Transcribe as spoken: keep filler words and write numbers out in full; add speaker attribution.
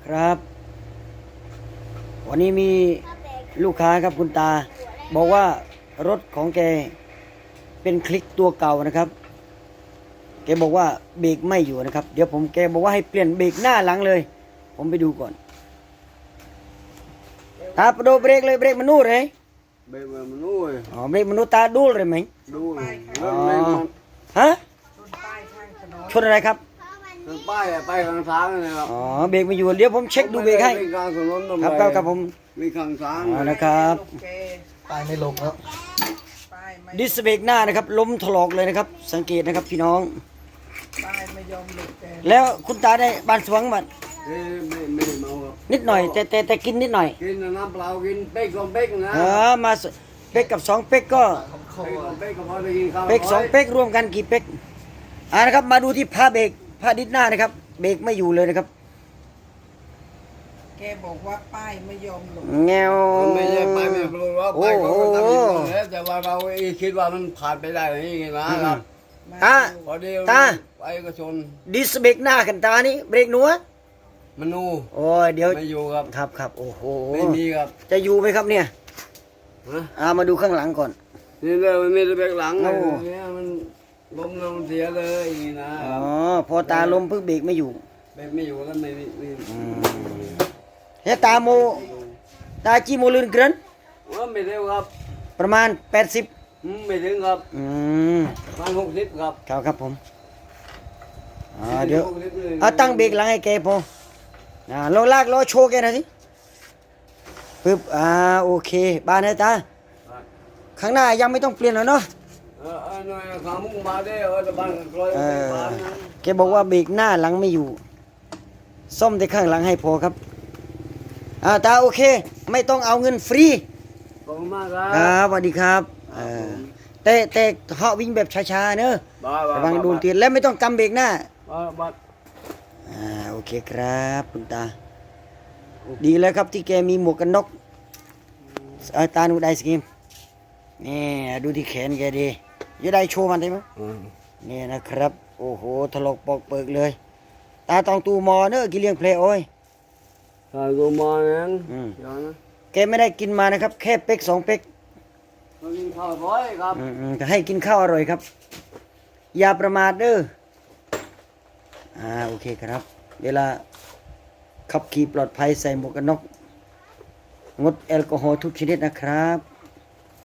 Speaker 1: ครับ วันนี้มีลูกค้าครับคุณตา บอกว่ารถของแกเป็นคลิกตัวเก่านะครับแกบอกว่าเบรกไม่อยู่นะครับเดี๋ยวผมแกบอกว่าให้เปลี่ยนเบรกหน้าหลังเลยผมไปดูก่อนตาไปดูเบรกเลยเบรกมันนู่นเลย
Speaker 2: เบรกมันนู่น
Speaker 1: อ๋อเบรกมันนู่นตาดูเลยไหม
Speaker 2: ดู
Speaker 1: อ๋อฮะชนอะไรครับ
Speaker 2: ชนป้ายไปข้างซ้ายนะครับ
Speaker 1: อ๋อเบรกไม่อยู่เดี๋ยวผมเช็คดูเบรกให้ครับครับครับผม
Speaker 2: มีข้างซ้าย
Speaker 1: นะครับ
Speaker 3: ป้ายไม่ลงแล้ว
Speaker 1: ดิสเบรกหน้านะครับล้มถลอกเลยนะครับสังเกตนะครับพี่น้อง
Speaker 3: ป้ายไม่ยอมหลุดแก
Speaker 1: แล้วคุณตาได้บานสวงบัด
Speaker 2: ไม่ไม่เมาครับ
Speaker 1: นิดหน่อยแต่แต่แต่กินนิดหน่อย
Speaker 2: กินน้ำเปล่ากินเป๊กสองเป๊กนะ
Speaker 1: เออมาเป๊กกับสองเป๊กก็
Speaker 2: เป๊กก็พอได้กินข้าว
Speaker 1: เป๊กสองเป๊กรวมกันกี่เป๊กอ่านะครับมาดูที่ผ้าเบรกผ้าดิสหน้านะครับเบรกไม่อยู่เลยนะครับ
Speaker 3: แกบอกว่าป้ายไม่ยอมหลุด
Speaker 1: แงว
Speaker 2: ไม่ใช่ไปไม่รู้ว่าไปเขาก็ทำอยู่แล้วแต่ว่าเราคิดว่ามันผ่านไปได้อย่างนี้นะครับ
Speaker 1: ตา
Speaker 2: พอดี
Speaker 1: ตา
Speaker 2: ไปก็ชน
Speaker 1: ดิสเบรกหน้ากันตานี่เบรกหนัว
Speaker 2: มันนู
Speaker 1: โอ้ยเดี๋ยว
Speaker 2: ไม่อยู่ครับ
Speaker 1: ครับครับโอ้โห
Speaker 2: ไม่มีครับ
Speaker 1: จะอยู่ไหมครับเนี่ยอ่ามาดูข้างหลังก่อน
Speaker 2: นี่เลยมันมีเบรกหลังเนี่ยมันล้มลงเสียเลยนะ
Speaker 1: อ๋อพอตาล้มเพิ่งเบรกไม่อยู่
Speaker 2: เบรกไม่อยู่แล้วไม่ไม่
Speaker 1: เฮ้ตาโมตาจีโมลื่นเกิน
Speaker 2: ว่าไม่เร็วครับ
Speaker 1: ประมาณแปดสิบ
Speaker 2: ไม่ถึงครับ
Speaker 1: อืม
Speaker 2: ประมาณหกสิบครับ
Speaker 1: ครับครับผมอ่าเดี๋ยวเอาตั้งเบรกหลังให้แกพออ่าลองลากล้อโชว์แกหน่อยสิปึ๊บอ่าโอเคบ้านให้ตาข้างหน้ายังไม่ต้องเปลี่ยนหรอเนาะ
Speaker 2: เออเออหน่อยขามุ้งมาได้เออจะบ้านกลอยบ้านนะ
Speaker 1: แกบอกว่าเบรกหน้าหลังไม่อยู่ซ่อมแต่ข้างหลังให้พอครับอ่าตาโอเคไม่ต้องเอาเงินฟรี
Speaker 2: ขอบคุณมากครับ
Speaker 1: ครับสวัสดีครับแต่แต่เหาะวิ่งแบบช้าๆเนอะระวังโดนเตียนและไม่ต้องกำเบรกหน้าอ่าโอเคครับคุณตาดีแล้วครับที่แกมีหมวกกันน็อกอาตาหนูได้สกิมนี่ดูที่แขนแกดีจะได้โชว์มันได้ไหมนี่นะครับโอ้โหถลอกปอกเปิกเลยตาตองตูมอเนอะกิเลียงเพลโอ้ย
Speaker 2: ตาตูมอนั่น
Speaker 1: แกไม่ได้กินมานะครับแค่เป๊กสองเป๊ก
Speaker 2: กินข้าวร้อยครับ
Speaker 1: จะให้กินข้าวอร่อยครับอย่าประมาทเด้ออ่าโอเคครับเวลาขับขี่ปลอดภัยใส่หมวกกันน็อกงดแอลกอฮอล์ทุกชนิดนะครับ